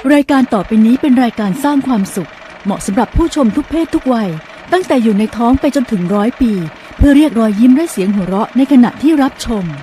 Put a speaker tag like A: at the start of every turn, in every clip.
A: รายการต่อไปนี้เป็นรายการสร้างความสุขเหมาะสำหรับผู้ชมทุกเพศทุกวัยตั้งแต่อยู่ในท้องไปจนถึง100 ปีเพื่อเรียกรอยยิ้มและเสียงหัวเราะในขณะที่รับชม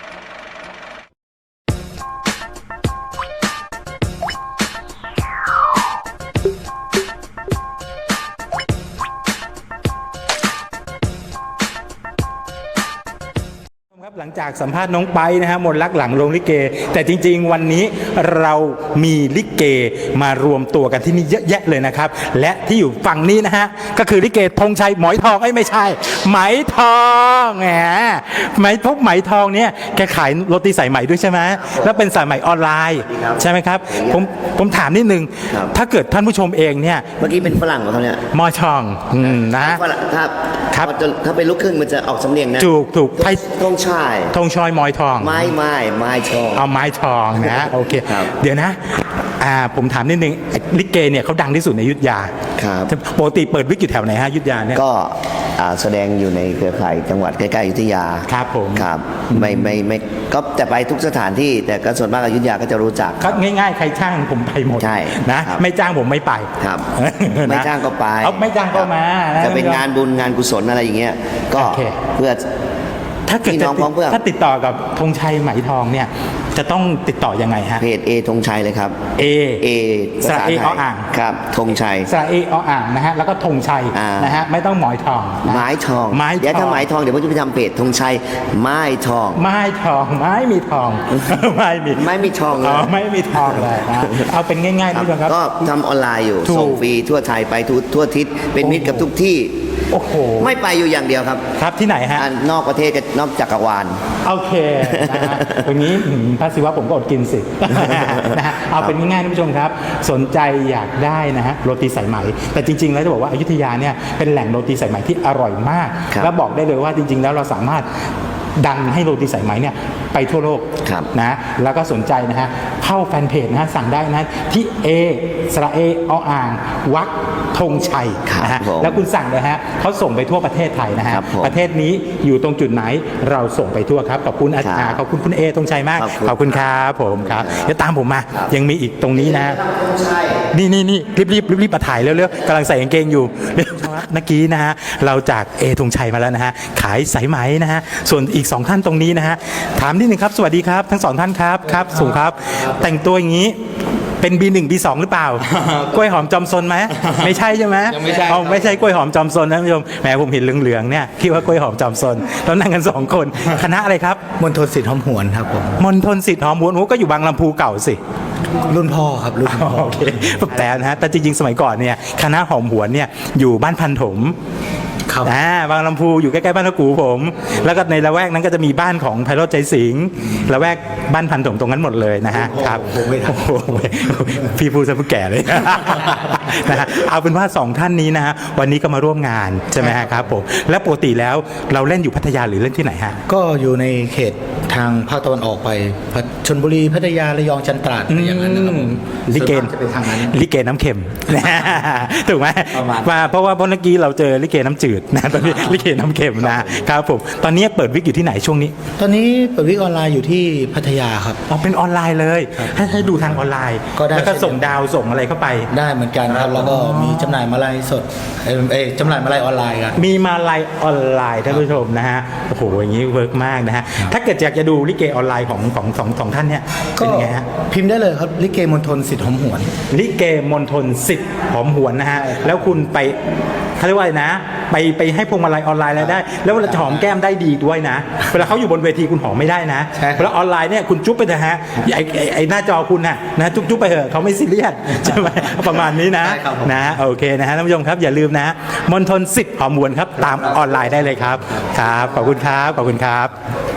B: หลังจากสัมภาษณ์น้องไปนะฮะมนต์รักหลังโรงลิเกแต่จริงๆวันนี้เรามีลิเกมารวมตัวกันที่นี่เยอะแยะเลยนะครับและที่อยู่ฝั่งนี้นะฮะก็คือลิเกธงชัยหมอยทองไม่ใช่ไหมทองแหมไหมทองเนี่ยแกขายโรตีสายไหมด้วยใช่ไหมแล้วเป็นสายไหมออนไลน์ใช่ไหมครับผมถามนิดนึงถ้าเกิดท่านผู้ชมเองเนี่ย
C: เมื่อกี้เป็นฝรั่งเหรอครับเนี่ย
B: หมอยทองนะ
C: ครับถ้าเป็นลูกครึ่งมันจะออกสำเนียงนะ
B: ถูกไทย
C: ธงชัย
B: หมอยทอง
C: ไม้ทอง
B: เอาไม้ทองนะโอเคเดี๋ยวนะผมถามนิดนึงลิเกเนี่ยเขาดังที่สุดในอยุธยา
C: ครับ
B: ปกติเปิดวิกอยู่แถวไหนฮะอยุธยาเนี่ย
C: ก็แสดงอยู่ในเครือข่ายจังหวัดใกล้ๆอยุธยา
B: ครับผม
C: ครับไม่ก็แต่ไปทุกสถานที่แต่ก็ส่วนมากอยุธยาก็จะรู้จัก
B: ครับง่ายๆใครจ้างผมไปหมด
C: ใช่
B: นะไม่จ้างผมไม่ไป
C: ครับไม่จ้างก็ไป
B: ไม่จ้างก็มา
C: จะเป็นงานบุญงานกุศลอะไรอย่างเงี้ยก็เพื่อ
B: ถ้าเกิดถ้าติดต่อกับธงชัยไหมทองเนี่ยจะต้องติดต่อยังไงฮะ
C: เพจธงชัยเลยครับ
B: เอ
C: สระเออ่างครับธงชัย
B: สระเออ่างนะฮะแล้วก็ธงชัยนะฮะไม่ต้องหมอยทอง
C: ไม้ทองเดี๋ยวถ้าไม้ทองเดี๋ยวผมจะไปทำเพจธงชัยไม้ทอง
B: ไม้มีทอง
C: ไม่มีทองเลย
B: ไม่มีทองเลยนะเอาเป็นง่ายๆนี่ครับ
C: ก็ทำออนไลน์อยู่ส่งฟรีทั่วไทยไปทั่วทิศเป็นมิตรกับทุกที่
B: โอ้โห
C: ไม่ไปอยู่อย่างเดียวครับ
B: ครับที่ไหนฮะ
C: นอกประเทศกับนอกจักรวาล
B: โอเคนะฮะตรงนี้พระศิวะผมก็อดกินสินะฮะเอาเป็นง่ายๆท่านผู้ชมครับสนใจอยากได้นะฮะโรตีสายไหมแต่จริงๆแล้วจะบอกว่าอยุธยาเนี่ยเป็นแหล่งโรตีสายไหมที่อร่อยมากและบอกได้เลยว่าจริงๆแล้วเราสามารถดังให้โรตีสายไหมเนี่ยไปทั่วโลกนะแล้วก็สนใจนะฮะเข้าแฟนเพจนะฮะสั่งได้นะที่สระเออ่างวักธงชัยนะฮะแล้วคุณสั่งเลยฮะเขาส่งไปทั่วประเทศไทยนะฮะประเทศนี้อยู่ตรงจุดไหนเราส่งไปทั่วครับขอบคุณอาจารย์ขอบคุณคุณธงชัยมากขอบคุณครับผมครับเดี๋ยวตามผมมายังมีอีกตรงนี้นะนี่รีบมาถ่ายเร็วๆกำลังใส่กางเกงอยู่เมื่อกี้นะฮะเราจากธงชัยมาแล้วนะฮะขายสายไหมนะฮะส่วนอีก2ท่านตรงนี้นะฮะถามนิดนึงครับสวัสดีครับทั้ง2ท่านครับสูงครับแต่งตัวอย่างนี้เป็น B1 B2 หรือเปล่ากล้วยหอมจอมซนไหมไม่ใช่ใช่ไหมไม่ใช่กล้วยหอมจอมซนนะท่านผู้ชมแหมผมเห็นเหลืองๆเนี่ยคิดว่ากล้วยหอมจอมซนแล้วนั่งกัน2คนคณะอะไรครับ
D: มณฑลศิษย์หอมหวนครับผม
B: มณฑลศิษย์หอมหวนก็อยู่บางลำพูเก่าสิ
D: รุ่นพ่อครับรุ่นพ่อ
B: โอเคแต่นะฮะแต่จริงๆสมัยก่อนเนี่ยคณะหอมหวนเนี่ยอยู่บ้านพันถมบางลำพูอยู่ใกล้ๆบ้านตะกูผมแล้วก็ในละแวกนั้นก็จะมีบ้านของไพโรจน์ใจสิงห์ละแวกบ้านพันถมตรงนั้นหมดเลยนะฮะครับพี่พูดซะผู้แก่เลยนะฮะเอาเป็นว่า2ท่านนี้นะฮะวันนี้ก็มาร่วมงานใช่ไหมครับผมและปกติแล้วเราเล่นอยู่พัทยาหรือเล่นที่ไหนฮะ
D: ก็อยู่ในเขตทางภาคตะวันออกไปชลบุรีพัทยาระยองจันทราดอย่างนั้นนะครับ
B: ลิเกจะเป็นทางนั้นลิเกน้ำเค็มถูกไหมมาเพราะว่าเมื่อกี้เราเจอลิเกน้ำจืดนะตอนนี้ลิเกน้ำเค็มนะครับผมตอนนี้เปิดวิกอยู่ที่ไหนช่วงนี้
D: ตอนนี้เปิดวิกออนไลน์อยู่ที่พัทยาครับ
B: เป็นออนไลน์เลยให้ดูทางออนไลน์แล้วก็ส่งดาวส่งอะไรเข้าไป
D: ได้เหมือนกันครับแล้วก็มีจำหน่ายมาลัยสดจำหน่ายมาลัยออนไลน์ครับ
B: มีมาลัยออนไลน์ท่านผู้ชมนะฮะโอ้โหอย่างนี้เวิร์กมากนะฮะถ้าเกิดอยากจะดูลิเกออนไลน์ของท่านเนี่ยเป็นไงฮะ
D: พิมพ์ได้เลยครับลิเกมณฑลศิษย์หอมหวน
B: ลิเกมณฑลศิษย์หอมหวนนะฮะแล้วคุณไปเขาเรียกว่านะไปให้พวงมาลัยออนไลน์อะไรได้แล้วเวลาหอมแก้มได้ดีด้วยนะเวลาเขาอยู่บนเวทีคุณหอมไม่ได้นะเวลาออนไลน์เนี่ยคุณจุ๊บไปเถอะฮะไอ้หน้าจอคุณนะจุ๊บไปเถอะเขาไม่ซีเรียสใช่ไหมประมาณนี้นะโอเคนะฮะท่านผู้ชมครับอย่าลืมนะมณฑลศิษย์หอมหวนครับตามออนไลน์ได้เลยครับขอบคุณครับ